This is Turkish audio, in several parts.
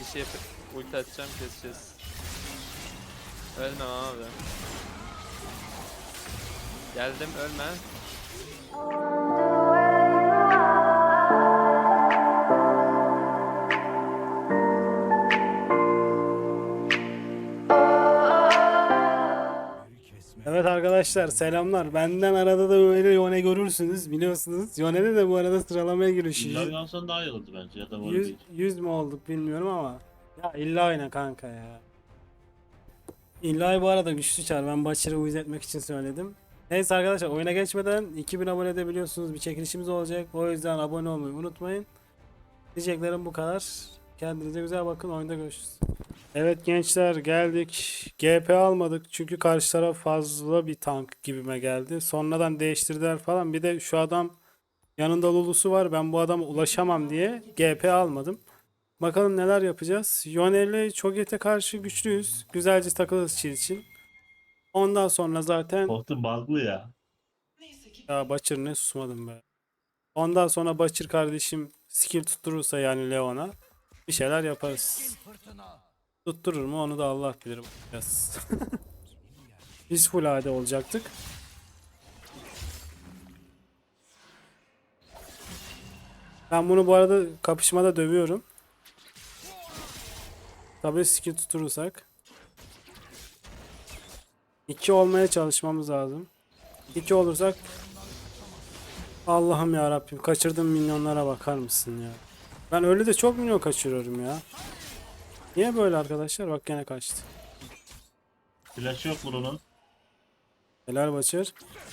şey yapıp ulti atacağım, keseceğiz. Ölmem abi. Geldim, ölme. Evet arkadaşlar selamlar. Benden arada da böyle Yone görürsünüz biliyorsunuz. Yone'de de bu arada sıralamaya giriyor. İlla oynasan daha iyi olurdu bence ya da var 100, değil. 100 mü olduk bilmiyorum ama. Ya illa oyna kanka ya. İlla bu arada güçlü çar. Ben Butcher'ı uyuz etmek için söyledim. Neyse arkadaşlar oyuna geçmeden 2000 abone de biliyorsunuz bir çekilişimiz olacak. O yüzden abone olmayı unutmayın. Diyeceklerim bu kadar. Kendinize güzel bakın. Oyunda görüşürüz. Evet gençler geldik. GP almadık çünkü karşı taraf fazla bir tank gibime geldi. Sonradan değiştirdiler falan. Bir de şu adam yanında Lulu'su var. Ben bu adama ulaşamam diye GP almadım. Bakalım neler yapacağız. Yone ile Cho'Gath'e karşı güçlüyüz. Güzelce takılırız çil için. Ondan sonra zaten Korktum bug'lı ya. ya Butcher ne susmadım be. Ondan sonra Butcher kardeşim skill tutturursa yani Leon'a bir şeyler yaparız. Tutturur mu onu da Allah bilir. Bakacağız. Biz full AD olacaktık. Ben bunu bu arada kapışmada dövüyorum. Tabii skill tutturursak. 2 olmaya çalışmamız lazım. 2 olursak Allah'ım ya Rabbim kaçırdığım milyonlara bakar mısın ya? Ben öyle de çok milyon kaçırıyorum ya. Niye böyle arkadaşlar? Bak gene kaçtı. Flash yok bunun. Helal Başır.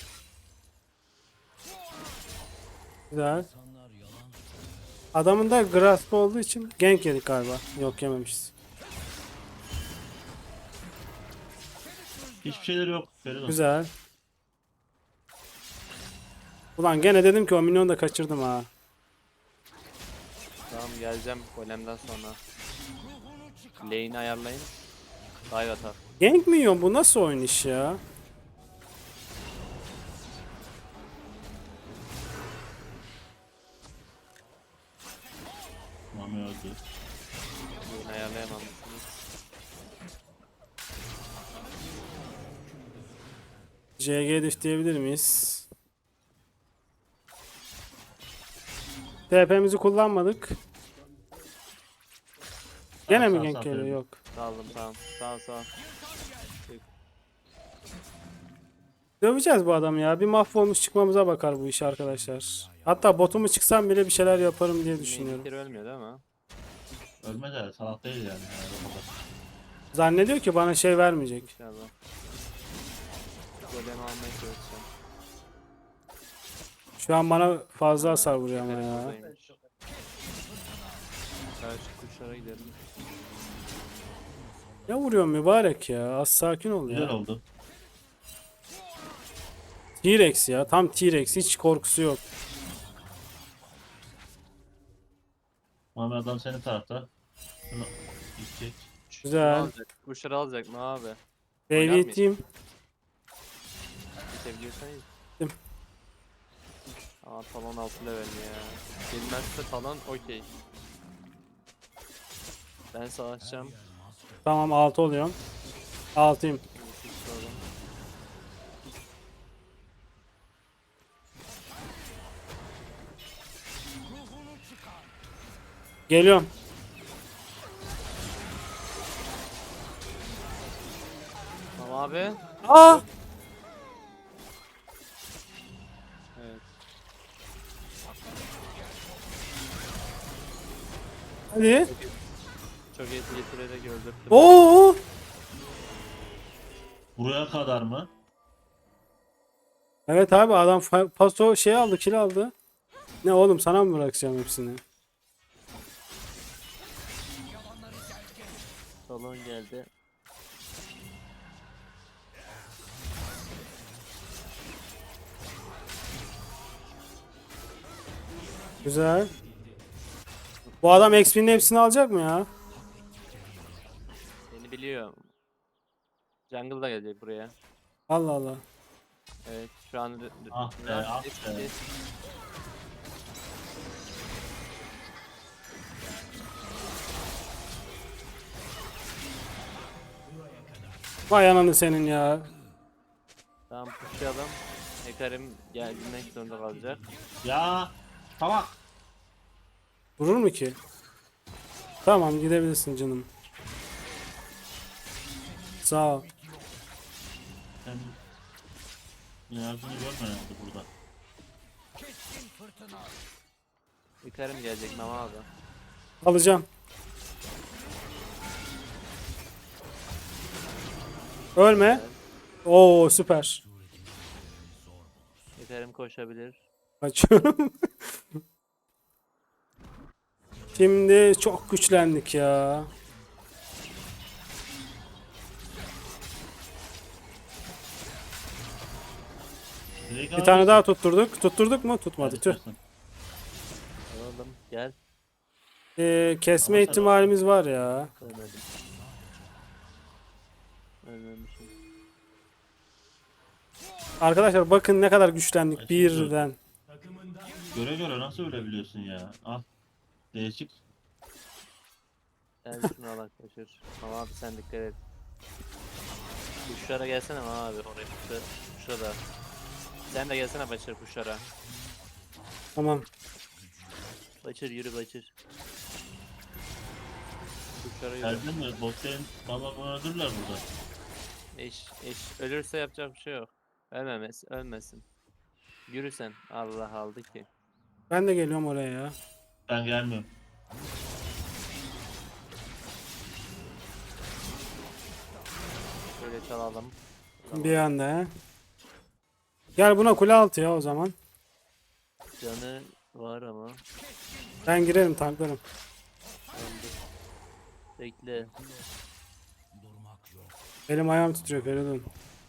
Güzel. Adamın da grasp olduğu için gank yedik galiba. Yok yememişiz. Hiçbir şeyleri yok. Verin Güzel. Ulan gene dedim ki o milyonu da kaçırdım ha. Tamam, geleceğim golemden sonra. Lane'i ayarlayın. Dive atar. Gank mi yiyor bu? Nasıl oyun iş ya? Mami öldü. Lane'i ayarlayamamışsınız. JG diff diyebilir miyiz? TP'mizi kullanmadık. Gene mi Sağ, gank sağ, geliyor? sağ. Yok. Saldım, tamam. Sağ. Döveceğiz bu adamı ya. Bir mahvolmuş çıkmamıza bakar bu iş arkadaşlar. Hatta botumu çıksam bile bir şeyler yaparım diye düşünüyorum. Main'likleri ölmüyor değil mi? Ölmedi de salak değil yani. O kadar. Zannediyor ki bana şey vermeyecek. İnşallah. Golemi almaya çalışacağım. Şu an bana fazla Ha, hasar vuruyor ama golem ya. buradaymış. Karşı kuşlara gidelim. Ne vuruyor mübarek ya. Az sakin ol Güzel ya. oldu. T-Rex ya. Tam T-Rex. Hiç korkusu yok. Mami adam senin tarafta. Şunu gidecek. Güzel. Alacak. Kuşları alacak mı abi? Baby iteyim. Bitebiliyorsan iyi. Gittim. Aa, talon 6 level ya. Gelmezse talon okey. Ben savaşacağım. Tamam 6 oluyorum. 6'yım. Geliyorum. Tamam abi. Aa! Evet. Hadi. Çok iyi getirerek öldürdüm. Oo! Buraya kadar mı? Evet abi adam paso şey aldı, kill aldı. Ne oğlum sana mı bırakacağım hepsini? Talon geldi. Güzel. Bu adam XP'nin hepsini alacak mı ya? Beni biliyor. Jungle da gelecek buraya. Allah Allah. Evet, şu an Ah be, ah be. Vay ananı senin ya. Tamam pushlayalım. Hekarim gelmek zorunda kalacak. Ya tamam. Durur mu ki? Tamam gidebilirsin canım. Sağ ol. Sen enerjini görme herhalde burada. Hekarim gelecek Mama abi. Alacağım. Ölme. Oo süper. Hekarim koşabilir. Açıyorum. Şimdi çok güçlendik ya. Direkt Bir tane daha tutturduk. Tutturduk mu? Tutmadı. Tüh. Alalım gel. Kesme Ama sen- ihtimalimiz var ya. Ölmedim. Ölmemişim. Arkadaşlar bakın ne kadar güçlendik Ay, birden. Göre göre nasıl ölebiliyorsun ya? Al. Değişik. Gel şunu al arkadaşlar. Mama abi sen dikkat et. Kuşlara gelsene Mama abi. Oraya kuşlara da. Sen de gelsene Başır kuşlara. Tamam. Başır yürü Başır. Kuşlara yürü. Geldin mi? Botlayın. Valla bunu öldürürler burada. Eş ölürse yapacak bir şey yok. Ölmesin. Yürü sen. Allah aldı ki. Ben de geliyorum oraya ya. Ben gelmiyorum. Şöyle çalalım. Bir anda he. Gel buna kule altı ya o zaman. Canı var ama. Ben girerim tanklarım. Öldü. Bekle. Elim ayağım titriyor Feridun.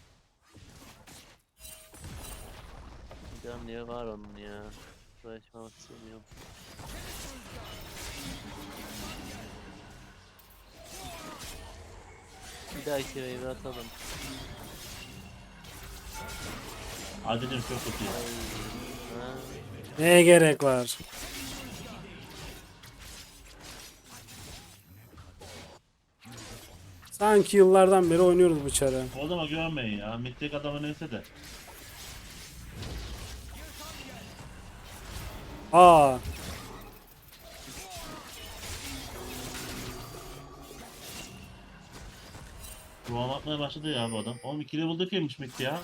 Can niye var onun ya? Uğraşmak istemiyorum. Bir dahaki wave atalım. Adil'im çok kötü. Ay, ha. Neye gerek var? Sanki yıllardan beri oynuyoruz bu çarı. O adama güvenmeyin ya. Mittek adamı neyse de. Aa, Ruhan atmaya başladı ya bu adam. Oğlum 2 level'da kimmiş Mitti ya?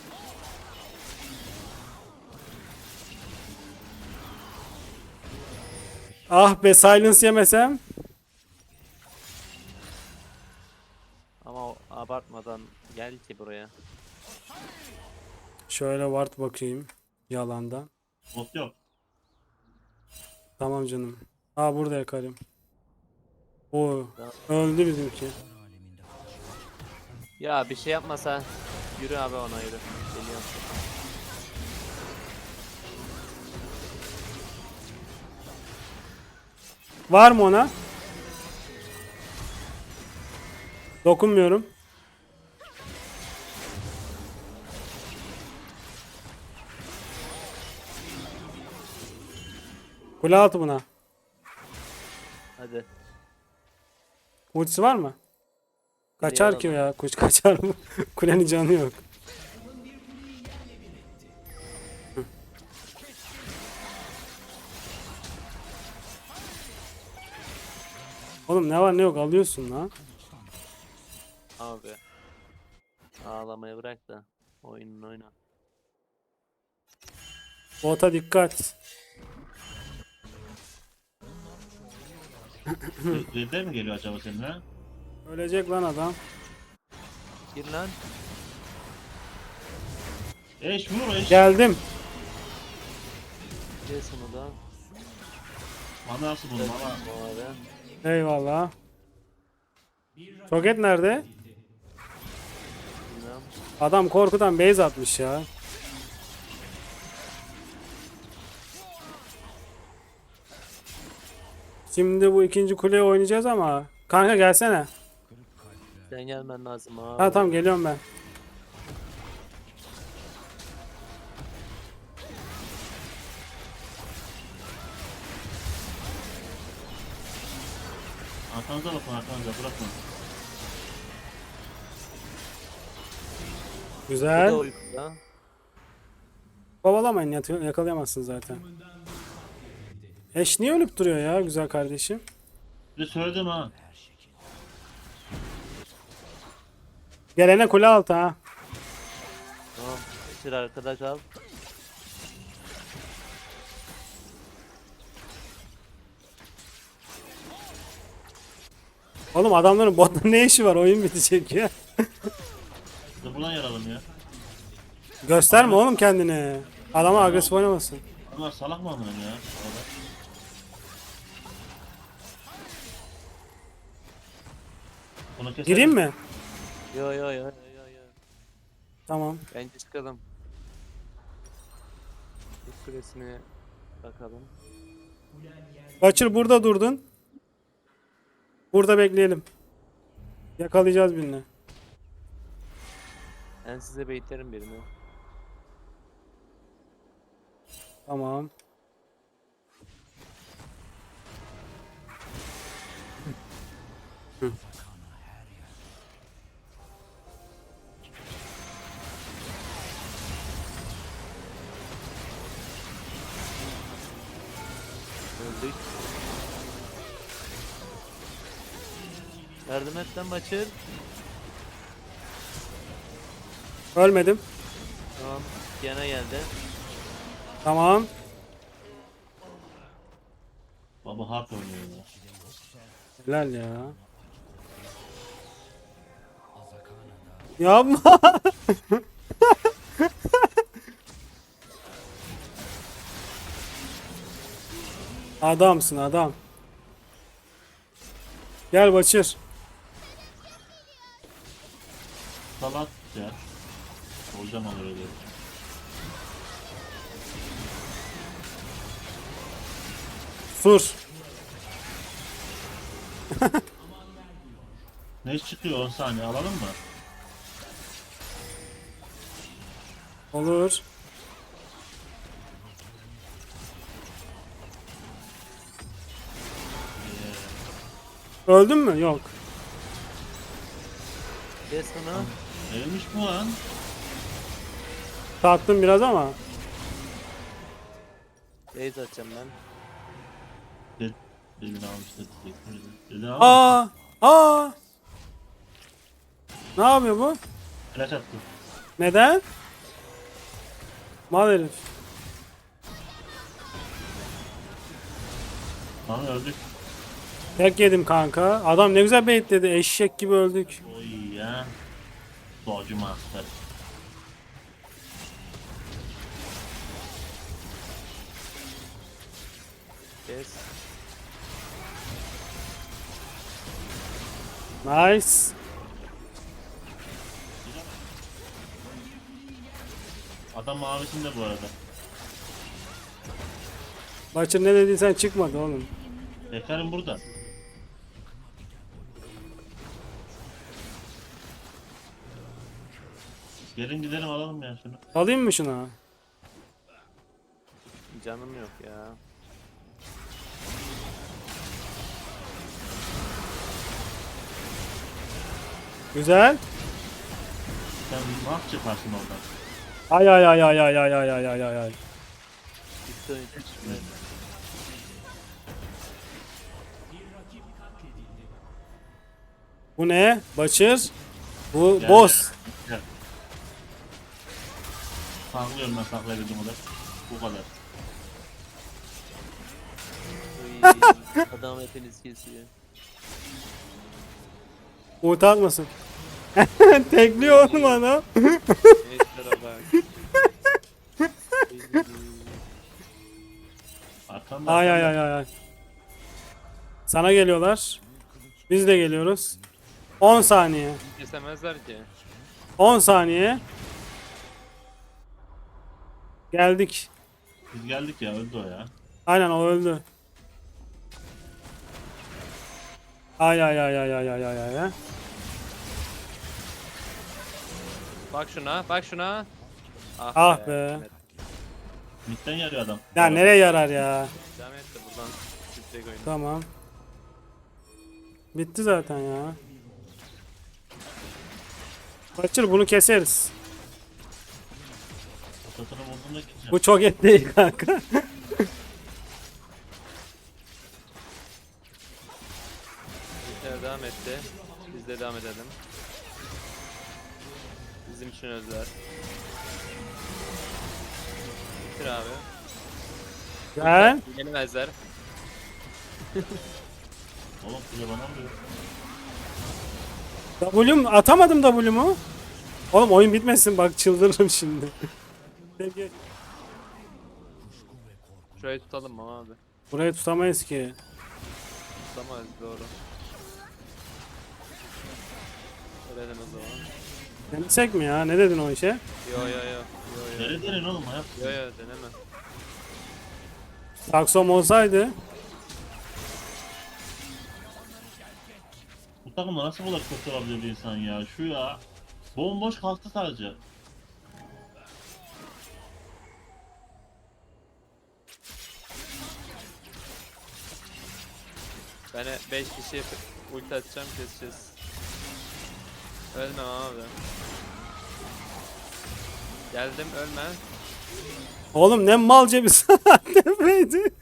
ah be silence yemesem. Ama abartmadan gel ki buraya. Şöyle ward bakayım. Yalandan. Bot yok. Tamam canım. Aa burada yakarım. Oo, öldü bizimki. Ya bir şey yapmasa yürü abi ona yürü. Geliyorum. Var mı ona? Dokunmuyorum. Kule altı buna. Hadi. Ultisi var mı? Kaçar ki ya. Kuş kaçar mı? Kulenin canı yok. Hı. Oğlum ne var ne yok alıyorsun lan. Abi. Ağlamayı bırak da oyununu oyna. Bota dikkat. Red'de mi geliyor acaba seninle? Ölecek lan adam. Gir lan. Eş vur eş. Geldim. Kes onu da. Bana nasıl bunu bana? Bu arada. Eyvallah. Soket nerede? Bilmem. Adam korkudan base atmış ya. Şimdi bu ikinci kuleye oynayacağız ama. Kanka gelsene. Sen gelmen lazım abi. Ha tamam geliyorum ben. Arkanıza bakın arkanıza bırakın. Bu Güzel. da uykuda. Kovalamayın, yakalayamazsın zaten. Eş niye ölüp duruyor ya güzel kardeşim? Bir de söyledim ha. Gelene kule altı ha. Tamam. Geçir arkadaş al. Oğlum adamların botta ne işi var? Oyun bitecek ya. Bir de buradan yaralım ya. Gösterme oğlum kendini. Adama agresif oynamasın. Bunlar salak mı amınım ya? Orada. Bunu keselim. Gireyim mi? Yo yo yo yo yo. yo. Tamam. Bence çıkalım. Bu kulesine bakalım. Kaçır burada durdun. Burada bekleyelim. Yakalayacağız birini. Ben size baitlerim birini. Tamam. Öldük. Yardım et lan Başır. Ölmedim. Tamam. Yana geldi. Tamam. Baba hard oynuyor ya. Helal ya. Yapma. Adamsın adam. Gel Başır. Salat ya. Hocam alır öyle. Sur. Ne iş çıkıyor 10 saniye alalım mı? Olur. Öldün mü? Yok. Kes bunu. Neymiş bu lan? Tattım biraz ama. Base atacağım ben. Dedin almış dedi. Dedin almış. Aa! Aa! Ne yapıyor bu? Flash attı. Neden? Mal herif. Lan öldük. Tek yedim kanka. Adam ne güzel baitledi. Eşek gibi öldük. Oy ya. Dodge Master. Kes. Nice. Adam mavisinde bu arada. Başır ne dediysen çıkmadı oğlum. Bekarım burada. Gelin gidelim alalım ya şunu. Alayım mı şuna? Canım yok ya. Güzel. Sen nasıl çıkarsın oradan? Ay ay ay ay ay ay ay ay ay ay ay. Bitti oyun. Evet. Bu ne? Başır. Bu Gel, boss. Gel. Saklıyorum ben saklayabildiğim kadar. Bu kadar. Uy, adam hepiniz kesiyor. Umut atmasın. Tekliyor oğlum adam. Eşlere bak. Arkamda. Ay ay ay ay ay. Sana geliyorlar. Biz de geliyoruz. 10 saniye. Kesemezler ki. 10 saniye. Geldik. Biz geldik ya öldü o ya. Aynen o öldü. Ay ay ay ay ay ay ay ay. Bak şuna, bak şuna. Ah be. Midden yarıyor adam. Ya nereye yarar ya? Devam et de buradan sütlek oyunu. Tamam. Bitti zaten ya. Kaçır bunu keseriz. Satını bulduğumda gideceğim. Bu çok et değil kanka. Bizler devam etti. Biz de devam edelim. Bizim için özel. Bitir abi. Gel. Yenemezler. Oğlum kule bana mı diyor? W'm atamadım W'mu. Oğlum oyun bitmesin bak çıldırırım şimdi. Peki. Şurayı tutalım mı abi? Burayı tutamayız ki. Tutamayız doğru. Ölelim o zaman. Denesek mi ya? Ne dedin o işe? Yo yo yo. Yo yo. Nereye derin oğlum hayat? Yo yo deneme. Taksom olsaydı. Bu takımda nasıl bu kadar kötü olabilir bir insan ya? Şu ya. Bomboş kalktı sadece. Ben 5 kişi ulti atacağım keseceğiz. Ölmem abi. Geldim ölme. Oğlum ne malca bir saatlemeydi.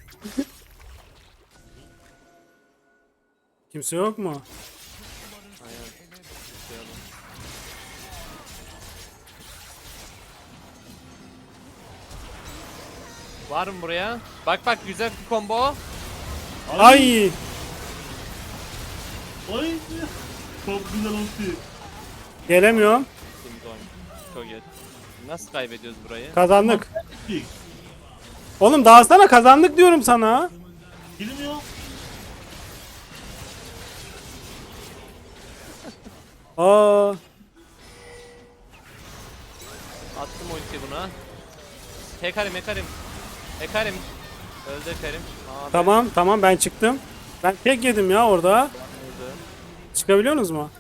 Kimse yok mu? Aynen. Tutuyorum. Var mı buraya? Bak bak güzel bir combo. Ay! Ay! Çok güzel oldu. Gelemiyorum. Şimdi oyun. Çok iyi. Nasıl kaybediyoruz burayı? Kazandık. Pik. Oğlum dağıtsana kazandık diyorum sana. Girmiyor. Aa, Attım ulti buna. Hekarim hekarim. Hekarim. Öldü hekarim. Abi. tamam ben çıktım. Ben tek yedim ya orada. Öldü. Çıkabiliyorsunuz mu?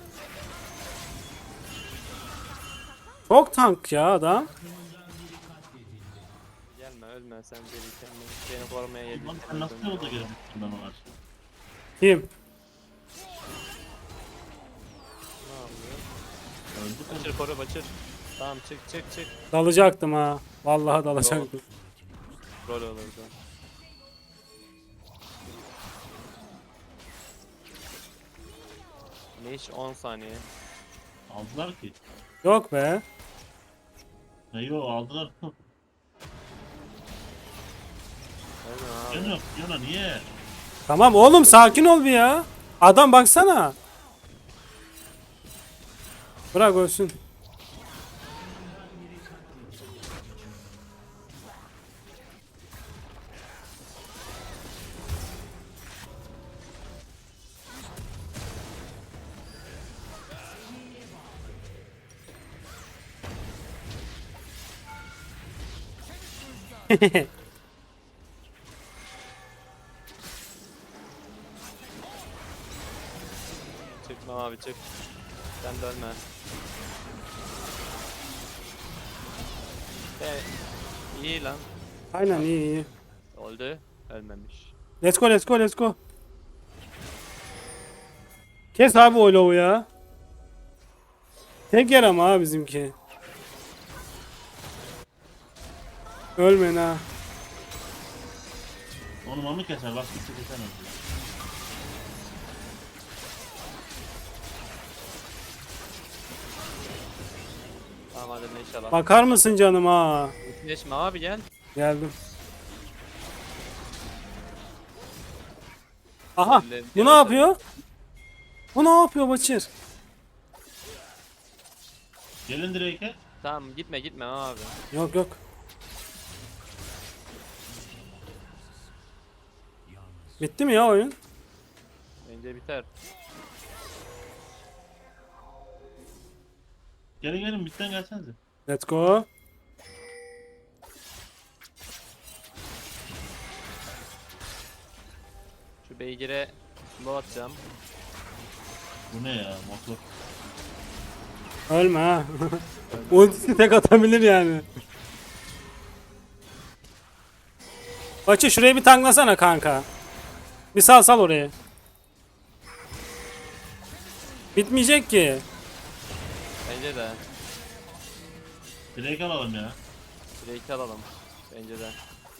Çok tank ya adam. Gelme ölme sen beni kendini. Seni korumaya geldim. Lan sen nasıl yolda girdin bana var? Kim? Ne yapıyor? Öldü Baçır koru baçır. Tamam çık çık çık. Dalacaktım ha. Vallahi dalacaktım. Rol olurdu. Ne iş 10 saniye. Aldılar ki. Yok be. Ne yo aldılar. Ölme abi. Yana yok yana niye? Tamam oğlum sakin ol bir ya. Adam baksana. Bırak ölsün. Çıkma abi çık. Sen de ölme. İyi lan. Aynen iyi. Öldü. Ölmemiş. Let's go. Kes abi o lovu ya. Tek yer ama ha bizimki. Ölmeyin ha. Onu mamı keser bak gitti kesemez. Tamam hadi inşallah. Bakar mısın canım ha? Geçme abi gel. Geldim. Aha. Ellerini Bu ne yavaş- yapıyor? Bu ne yapıyor Başır? Gelin direk'e. Tamam gitme abi. Yok. Bitti mi ya oyun? Bence biter. Gelin bitten gelsenize. Let's go. Şu beygire slow atacağım. Bu ne ya motor. Ölme ha. Ultisi tek atabilir yani. Başı şuraya bir tanklasana kanka. Bir sal oraya. Bitmeyecek ki. Bence de. Direkt alalım ya. Drake'i alalım. Bence de.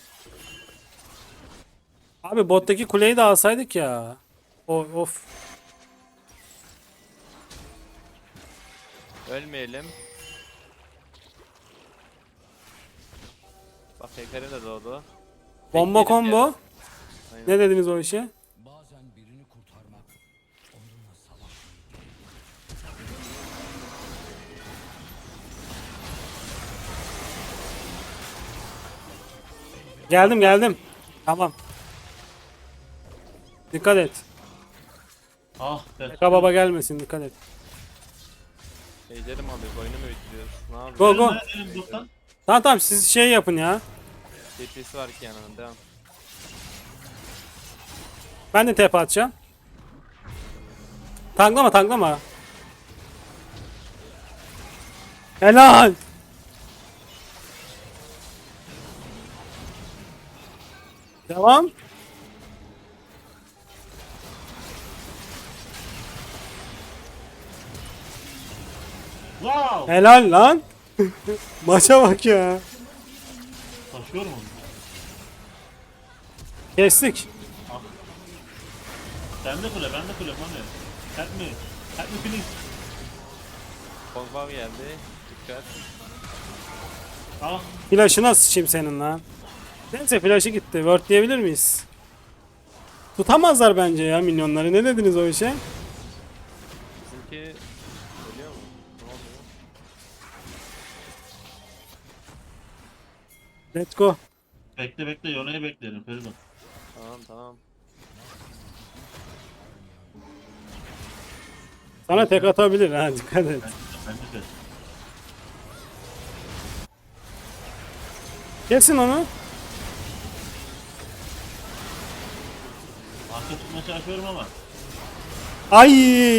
Abi bottaki kuleyi de alsaydık ya. Of. Ölmeyelim. Bak Hekarim de doğdu. Bomba Bekleyelim combo. ya. Aynen. Ne dediniz o işe? Bazen birini kurtarmak onunla savaş. Geldim. Tamam. Dikkat et. Ah be. Eka baba gelmesin, dikkat et. Ejder'i mi alıyoruz? Oyunu mu bitiriyoruz? Ne yapıyoruz? Go go. Elim bottan. Tamam siz şey yapın ya. TP'si var ki yanına. Devam. Ben de TP atacağım. Tanklama. Helal. Devam. Wow. Helal lan. Maça bak ya. Taşıyorum onu. Kestik. Bende kule mami. Help me. Help me please. Pogba geldi. Dikkat. Ah. Flash'ına sıçayım senin lan. Neyse flash'ı gitti. Word diyebilir miyiz? Tutamazlar bence ya minyonları. Ne dediniz o işe? Bizimki ölüyor mu? Ne oluyor? Let's go. Bekle Yone'yi beklerim Feridun. Tamam. Sana tek atabilir ha, dikkat et. Bence de. Kesin onu. Arka tutmaya çalışıyorum ama. Ay!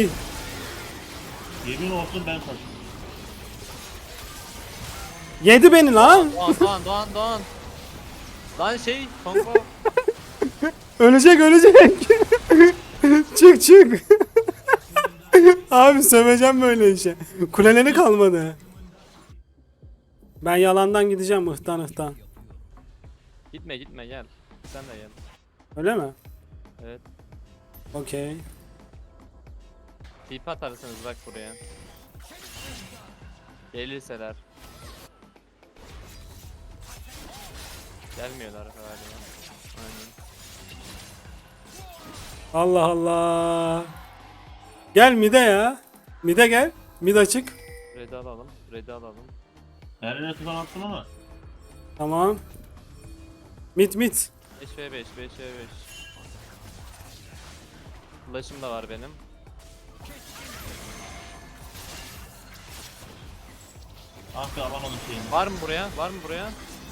Yemin olsun ben taşıdım. Yedi beni lan. Doğan. Lan şey Pogba. Ölecek. çık. Abi söveceğim böyle işe. Kuleleri kalmadı. Ben yalandan gideceğim ıhtan. Gitme gel. Sen de gel. Öyle mi? Evet. Okey. TP atarsınız bak buraya. Gelirseler. Gelmiyorlar galiba. Aynen. Allah Allah. Gel mide ya. Mide gel. Mid açık. Red'i alalım. Her yere tutan attım ama. Tamam. Mid. 5v5. Flash'ım da var benim. Ah be alamadım şeyini. Var mı buraya?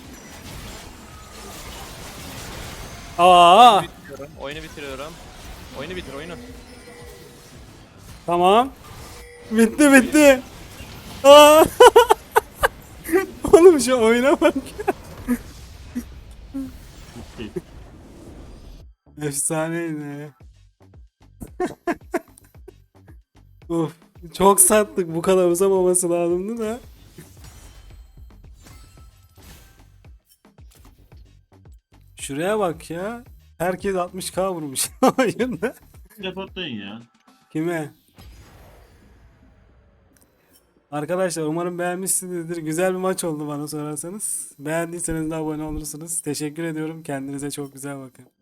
Aa. Oyunu bitiriyorum. Oyunu bitir. Tamam. Bitti. Aa. Oğlum şu oyuna bak. Bitti. Efsaneydi. Uf. Çok sattık. Bu kadar uzamaması lazımdı da. Şuraya bak ya. Herkes 60k vurmuş oyunda. Reportlayın ya. Kime? Arkadaşlar umarım beğenmişsinizdir. Güzel bir maç oldu bana sorarsanız. Beğendiyseniz de abone olursunuz. Teşekkür ediyorum. Kendinize çok güzel bakın.